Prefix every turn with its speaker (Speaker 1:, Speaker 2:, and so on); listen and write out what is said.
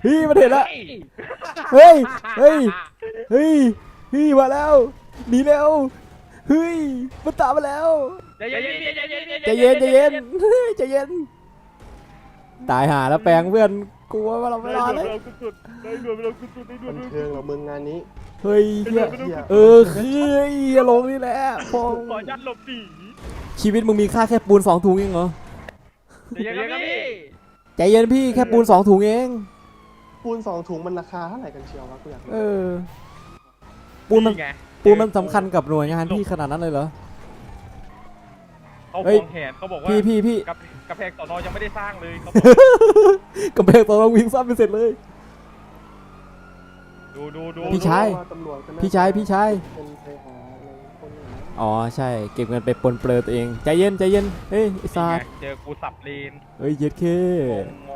Speaker 1: เฮ้ยมันเห็นแล้วเฮ้ยเฮ้ยเฮ้ยเฮ้ยมาแล้วหนีแล้วเฮ้ยมันตามมาแล้วใจเย็นใจเย็นใจเย็นตายหาแล้วแปลงเพื่อนกลัวว่าเราไม่รอดเลย
Speaker 2: บันเทิงเราเมืองงานนี้
Speaker 1: เฮ้ยเฮียคือลงนี่แหละพง
Speaker 3: ขอยัดหลบหนี
Speaker 1: ชีวิตมึงมีค่าแค่ปูน2 ถุงเองเหรอ
Speaker 3: ใจเย็นครับพี่
Speaker 1: ใจเย็นพี่แค่ปูน2 ถุงเอง
Speaker 2: ปูน2 ถุงมันราคาเท่าไหร่กันเชียววะกูอยากรู้
Speaker 1: ปูนมัน
Speaker 3: ไง
Speaker 1: สำคัญกับหน่วยงานพี่ขนาดนั้นเลยเหรอ
Speaker 3: เขา
Speaker 1: เฮ้ย
Speaker 3: ควงแขนเขาบอกว่า
Speaker 1: พี่
Speaker 3: กระแพงสอนอยังไม่ได้สร้างเลยเขา
Speaker 1: กำแพงตอนเราวิ่งซ้ำไปเสร็จเลย
Speaker 3: ดู
Speaker 1: พี่ชาย
Speaker 2: ว่าตำรวจก็น่
Speaker 1: พี่ชาย
Speaker 2: เป็นไปหาอะไรคนอย่างนั้น
Speaker 1: อ๋อใช่เก็บเงินไปปนเปลือตัวเองใจเย็นเฮ้ยไอ้ซา
Speaker 3: นี่ไงเจอกูสับเลน
Speaker 1: เฮ้ยเย็ดเค
Speaker 3: ง